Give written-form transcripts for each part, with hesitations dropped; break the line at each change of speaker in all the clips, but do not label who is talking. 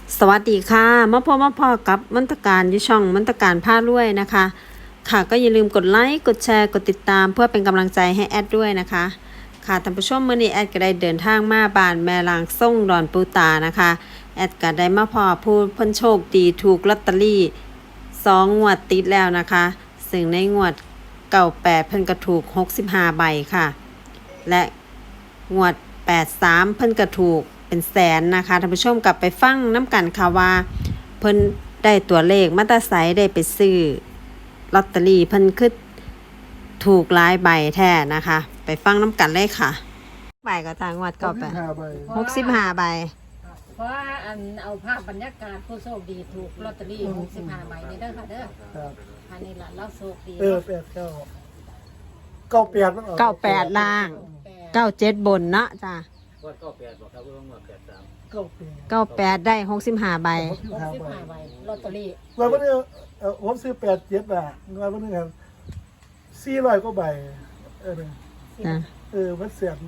สวัสดีค่ะมาพอกับมนตการอยู่ช่องมนตการผ้ารวยนะคะค่ะก็อย่าลืมกดไลค์กดแชร์กดติดตามเพื่อเป็นกำลังใจให้แอดด้วยนะคะค่ะท่านผู้ชมมื้อนี้แอดก็ได้เดินทางมาบ้านแม่ลางส่งดอนปูตานะคะแอดก็ได้มาพอผู้เพิ่นโชคดีถูกลอตเตอรี่2 งวดติดแล้วนะคะซึ่งในงวด98เพิ่นก็ถูก65 ใบค่ะและงวด83เพิ่นก็ถูกเป็นแสนนะคะท่านผู้ชมกลับไปฟังน้ำกันค่ะว่าเพิ่นได้ตัวเลขมาตาไซได้ไปซื้อลอตเตอรี่เพิ่นคือถูกหลายใบแท้นะคะไปฟังน้ำกันเลยค่ะใบก็ทางวัดก็ไป65 ใบ
เพราะเอาภาพบรรยากาศผู้โชคดีถูกลอตเตอรี่65 ใบนี่เด้อค่ะเด้ออันนี้ล่ะเราโชคดี
98ล่าง97บนเนาะจ้ะ
98บอกครับว่างวด
98ได้65 ใบ
65 ใบลอตเตอรี่
วันนี้ผมซื้อ87 บาทวันนี้ครับ400 กว่าใบ
จ้ะ
มันเสียบ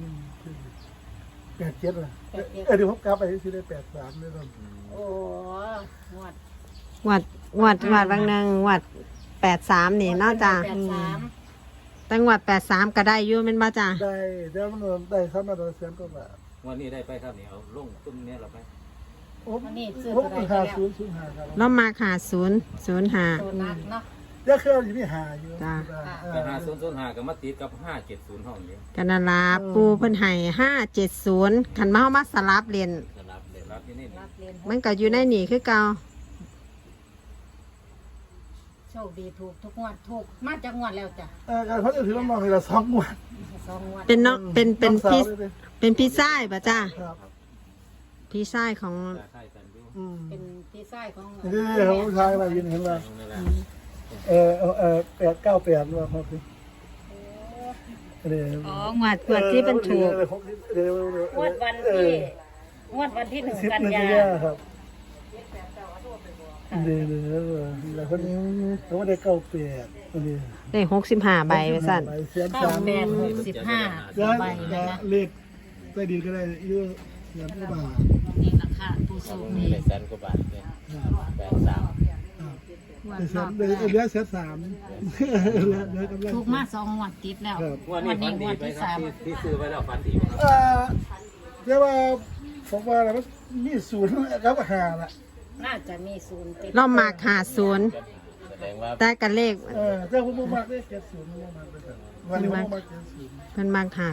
87ล่ะเดี๋ยวผมกลับไปซื้อได้83เลยครับ
โอ้งวด
บางนึงงวด83นี่เนาะจ้ะแต่งวด83ก็ได้อยู่แม่นบ่จ้ะ
ได้แล้วมันได้ซ้ำมาตัวเสียนก็บาท
วันนี้ได้ไปครับนี่เอาลงตุ้มเนี้ยเราไป
วันนี้ซื้อ
ผม
ตัวใด
5005ครับ
เรามาหา005
ตัวนักเนาะ
เดี๋ยวเครื่องอยู่นี่หาอยู่
แต่5005ก็มาติดกับ570ห้องนี้
กันนาลาปูเพิ่นให้570คันมาเฮามาสลับเรียน
สลับเลยรับที่นี่
มันก็อยู่ในนี่คือเก่า
โชคดีถูกทุกงวดถูกมาจากงวดแล้วจ้ะ
เขาจะถือว่ามองให้เรา2 งวด
2 งวด
เป็นเนาะเป็นพี่ชายป่ะจ้าพี่ชายของ
เป็นพี่ชายของ
นี่ผู้ชายมายืนเห็นว่า898ว่าเขาคือ
อ๋องวดที่เป็นถูก
งวดวันที่1 กันยา
ครับแล้วคนนี้เขาได้98
ได้65 ใบไปสั่น
65 ใบนะคะ
เลขได้ดีก็ได้เยอะเงินก็บาท
นี่ราคาผู้โชคดี
ได้แสนกว่าบาทเลย83
เหลือ3
ถูกมา2 งวดติดแล้ว
วันนี้งวดที่3ที่ซื้อไว้แล้วฝันดี
เรียกว่าผมว่าแล้วมี0กับ5ล่ะ
น่าจะมี0ติด
เรามาหา0
แสดงว่า
แต่กันเลข
แต่ผมมากเลข70มันมากเลยวันนี้ผมมาก70
มันมาหา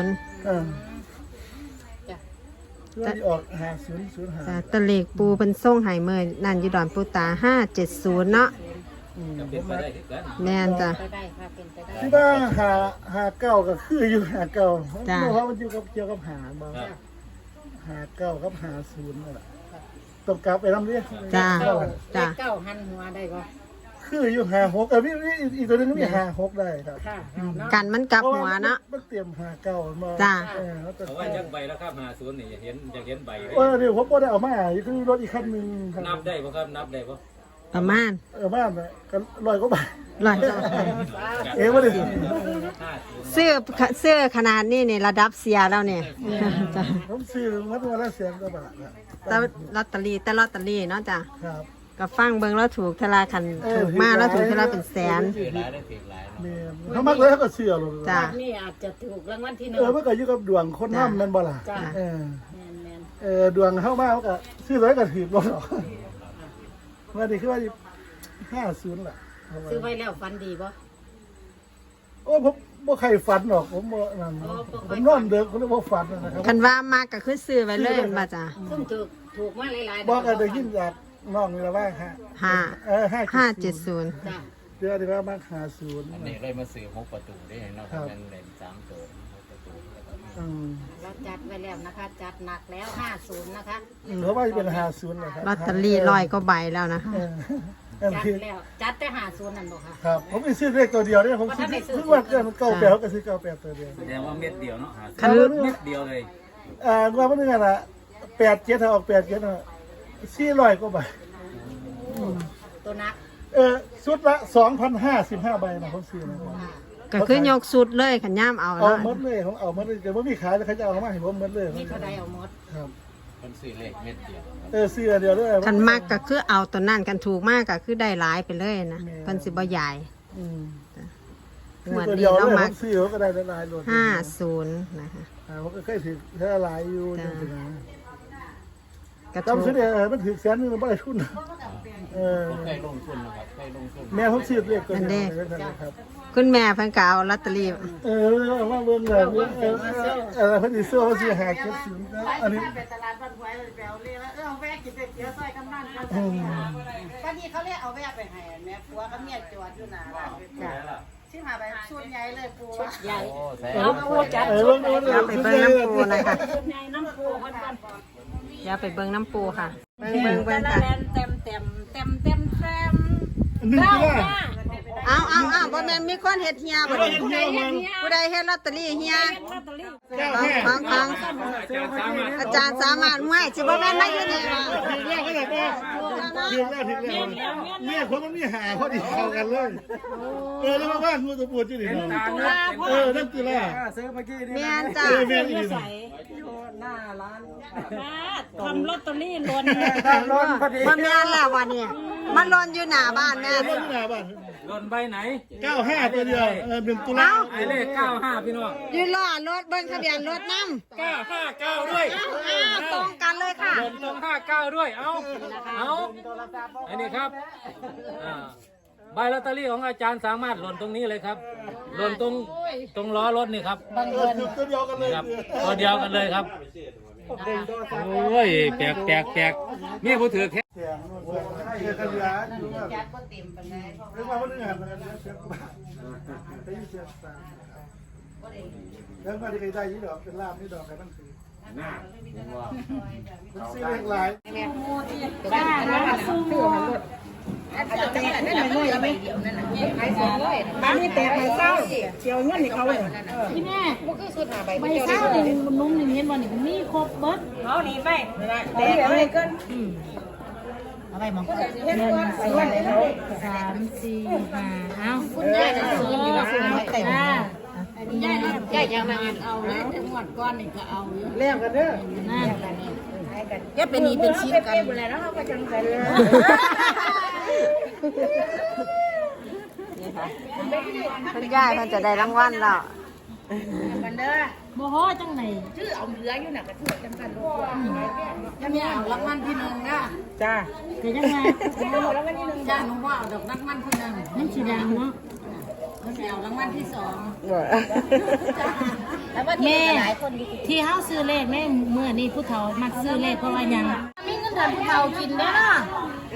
จ้ะออก5005
จ้ะตะเลขปูเป็นส่งให้เมื่อนั่นอยู่ดอนปูตา570เนาะแม่นจ้ะ
ที่ว่า59ก็คืออยู่59เพราะมันอยู่กับเกี่ยวกับหาบ่59กับ50นั่นแหละต้องกลับไปนำเด้
จ้ะ
9หันหัวได้บ่
คืออยู่56มีอีกตัวนึงมี56ได้ครับ
กันมันกลับหัวเนาะ
มันเตรียม59มา
จ้ะ
เอาไว้จักใบแล้วครับ50นี่อยากเห็นใบ
เดี๋ยวผมบ่ได้เอามาคือรถอีกคันนึง
นับได้บ่ครับนับได้บ่
ประมาณ
บ้านก็100 กว่าบาท
บ่ได้เสื้อขนาดนี้นี่ระดับเสียแล้วเนี่ย
จ้ะผมซื้อมาตัวละ100 กว่าบาท
แต่ลอตเตอรี่เนาะจ้ะ
ครับ
ก็ฟังเบิ่งแล้วถูกทลาคันถูกมาแล้วถูกทลาเป็นแสน
เขามักเลยเขาก็เชื่อเลย
จ้ะ
นี่อาจจะถูกรางวัลที่1
มันก็อยู่กับดวงคนนำแม่นบ่ล่ะดวงเข้ามาเขาก็ซื้อไว้ก็ถือบ่หรอกว่านี่คือว่า50ล่ะ
ซื้อไว้แล้วฝันดีบ่
ผมบ่ใครฝันหรอกผมบ่นั่นผมนอนเด็กผมเลยบ่ฝันนะครับ
คันว่ามาก็คือซื้อไว้เลยมาจ้ะ
ซึ่งถูกมาหลายๆ
บ่ก็ได้ยินจากน้องนี่ล่ะว่า
570
จ้ะ
เดี๋ยวว่ามา50
อันนี้เลยมาซื้อ6 ประตูได้เนาะมันเล่น3ตัว6 ประตู
เราจัดไว้แล้วนะคะจัดหนักแล้ว50นะคะ
เพราะว่าเป็น50นะครับ
ลอตเตอรี่100 ก็ใบแล้วนะคะ
จัดแล้วจัดแต่50นั่นบ่ค่ะ
ครับผมไม่ซื้อเลขตัวเดียวเนี่ยผมซื้อว่าเกิน98ก็ซื้อ98ตัวเดียว
แสดงว่าเม็ดเดียวเนาะเม็ดเดียวเลย
ว่ามันนึงอ่ะ87ถ้าออก87น่ะ400 กว่าใบ
ตัวนัก
ชุดละ2,055 ใบนะผมซื้อนะ
ก็คือยกสุดเลยขันย่ามเอา
หมดเลยผมเอาหมดเลยแต่ว่ามีขายแล้วเขาจะเอามาให้ผมหมดเลย
มีเท่าใดเอาหมด
ครับ
คนซื้อเลขเม็ดเดียว
เสื้อเดียวด้วย
คันมากก็คือเอาตัวนั่นกันถูกมากก็คือได้หลายไปเลยนะเพิ่นสิบ่ใหญ่
ซื้อตัวเดียวด้วยผมซื้อเขาก็ได้หลายๆรถ
50นะคะ
ผมก็เคยถือแค่หลายอยู่จังซี่นะ
กระ
จำ
ถู
ซื้อก ได้มันถือแสนนึงบ่ได้ทุน
ผมเคยลงทุนนะครับเคยลงทุน
แม่ผมซื้อเลขตัวนี้ครับ
คุณแม่เพิ่นก็เอาลอตเตอรี่
ว่าเบิ่งแบบเพิ่นสิซื้อเขาสิหา70อันนี้
ไปตลาดบ้านหวยไปเอาเลยแล้วเอาแวะกินเตี๋ยวซอยกำนันกันก็นี่เขาเรียกเอาแวะไปให้แม่ผัวกับเมียจอดอยู่หน้าร้านชื่อหาไปชุดใหญ่เลยปูชุดใหญ่
โอ้ใส่
เอาปูจัด
เดี๋ยวไปเบิ่งน้ำปูนะคะ
ใหญ่น้ำปูคนก่อน
เดี๋ยวไปเบิ่งน้ำปูค่ะเบิ่งค่ะ
เต็ม
นึก
เก้า
ว่า
ห้า
เอาบ่แม่นมีคนเฮ็ดเฮียบ่นี่ผู้ใดเฮ็ดลอตเตอรี่เฮีย
ลอตเตอรี่
ฟังอาจารย์สามารถไม่สิบ่แม่นมาอยู่นี่ว่า
ถึงแล้วก็ได้ป่ะถึงแล้วเนี่ยคนมันมีหาพอดีเข้ากันเลยแล้วมาบ้านมือตัวปวดที่นี่เนาะนั่นคือล่ะ
แม่นจ้ะ
แม่นี่
ทำลอตเตอรี่หล่น
บ่แม่นแล้ววันนี้มันหล่นอยู่หน้าบ้านแม่
รถที่หน้าบ้าน
หล่นใบไหน
95ตัวเดียว1ตุลา
ไอเลข95พี่น้อง
อยู่ล้อรถเบิ่งทะเบียนรถนำ
959ด้วย
ตรงกันเลยค่ะ
หล่นตรง59ด้วยเอาอันนี้ครับใบลอตเตอรี่ของอาจารย์สามารถหล่นตรงนี้เลยครับหล่นตรงล้อรถนี่ครับ
ตัวเดียวกันเลย
ครับตัวเดียวกันเลยครับโอ้ยแปลกนี่ผู้ถือแค่
เสียงกันเหลือจัดบ่เต็มปานใดเรียกว่าบ่ได้งานมันเสียบ้านไปเสียสามแล้วก็ที่ได้ยี่ดอกเป็นลาบนี่ดอกกันนั่นคือมันซื้อเลขหลาย
บ้าแล้วสู้บ้านนี่แต่ไม่เศร้าเชียวเงินนี่เขาเลยพี่แม่ไม่เศร้าเลยนุ่มหนึ่งเห็นวันนี้มีครบเบิดเขาหนีไปแต่อะไรก็อะไรมองเงิน3 4 5เอาคุณยายจะซื้ออยู่แล้วคุณไม่แต่งยายยังนั่งเอาเลยหมดก้อนนี่ก็เอาอยู่
เลี้ยงกันเด้อ
นั่นแกเป็นนี่เป็นชิ้นกันแล้วเขาก็จังใจเลย
คุณยายมันจะได้รางวัลแล้ว
โมโหจังไหนชื่อเอาเหลืออยู่น่ะกระเทือกจังกันลูกยังไม่เอารางวัลที่1นะจ้าแต่ยังไงเอารางวัลที่1จ้าหนูว่าเอาดอกรางวัลที่1นั่นสีแดงเนาะมันเอารางวัลที่2แม่ที่เฮาซื้อเลขแม่เมื่อนี้ผู้เฒ่ามักซื้อเลขเพราะว่ายังมีเงินทานผู้เฒ่ากินได้เนาะ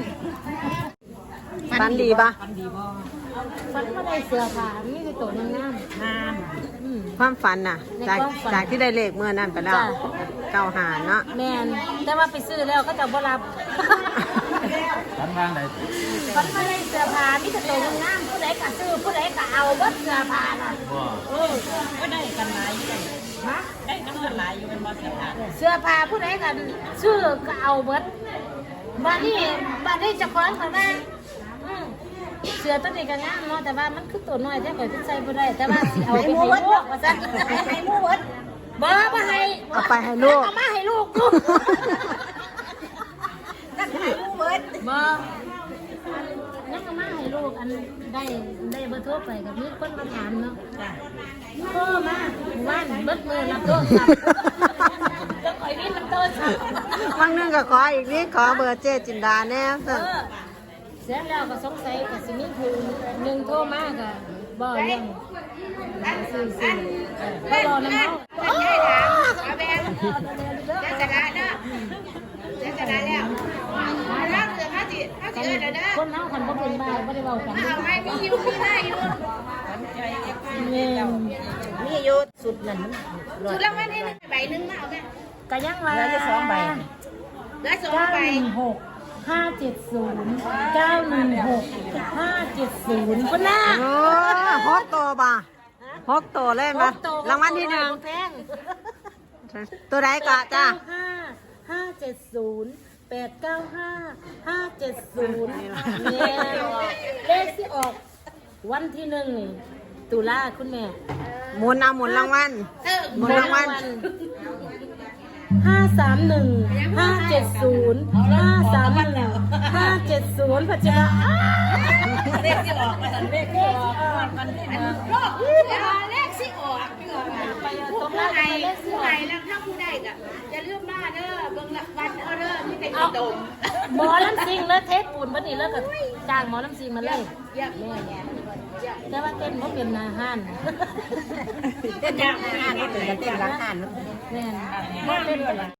ฟันดีปะ
ฝันว่าได้เสื้อผ้ามีแต่ตัวงามงาม
ความฝันน่ะ จากที่ได้เลขเมื่อนั้นไปแล้วเก้าหาเนาะ
แม่นแต่ว่าไปซื้อแล้วก็จะบ่รับ
ทำงานไหน
ฝันว่าได้เสื้อผ้ามีแต่ตัวงามผู้ใดก็ซื้อผู้ใดก็เอาเบิดเสื้อผ้าน่ะก็ได้กันหลายอยู่ฮะได้กันหลายอยู่เป็นบ่เสื้อผ้าเสื้อผ้าผู้ใดก็ซื้อก็เอาเบิดบ้านนี้เจ้าของเขาว่าเสื้อตัวนี้ก็งามเนาะแต่ว่ามันคือตัวน้อยแท้ข่อยใส่บ่ได้แต่ว่าสิเอาไปให้ลูกว่าซั่นให้หมู่เบิดบ่ให้
เอาไปให้ลูก
เอามาให้ลูกกูนั่นให้หมู่เบิดบ่ยังเอามาให้ลูกอันได้เบอร์โทรไปกับมีคนมาถามเนาะโทรมาว่านเบิดมือรับโทรศัพท์แล้วข่อยมีรับโทรศัพท์
บางนึงก็ขออีกนิดขอเบอร์เจ๊จินดาแน่สั่น
เสร็จแล้วก็สงสัยก็สิมีผู้หนึ่งโทรมาก็บ่เรื่องซื่อๆก็รอนำเฮาใหญ่ถามเอาแบงจะชนะเด้อจะชนะแล้วแล้วเสือพาสิเด้อคนเฮาคันบ่เป็นบ้าบ่ได้เว้ากันเอาให้มีอยู่มีได้อยู่มีอยู่สุดนั่นสุดแล้ววันนี้ใบนึงมาเอาแม่ก็ยังว่าเหลือ2ใบเหลือ2ใบ570 คนน่ะ
โอ้ฮกโตป่ะฮกโตเล่นปะรางวัลที่
แพง
1ตัวใดก็จ้า
570 895 570เนี่ยเลขที่ออกวันที่1นี่ตุลาคุณแม่
หมุนเอาหมุนรางวัลหมุนรางวัล
50 570 ปัจจุบัน
เลขที่ออกมาทันเลขที่ออกมันที่มาโลกเลขที่ออกผู้ใดแล้วถ้าผู้ใดก็อย่าลืมมาเด้อเบิ่งละวันเอาเด้อนี่เป็นดม
หมอลำซิงแล้วเทปปูนบัดนี้แล้วก็จ้างหมอลำซิงมาเลย
เยี่ยมแม่แง่
แต่ว่าเต้นบ่เป็นอาหาร
เต้นยากมากเลยเต้นรักทาน
แม่นบ่เป็นเป็น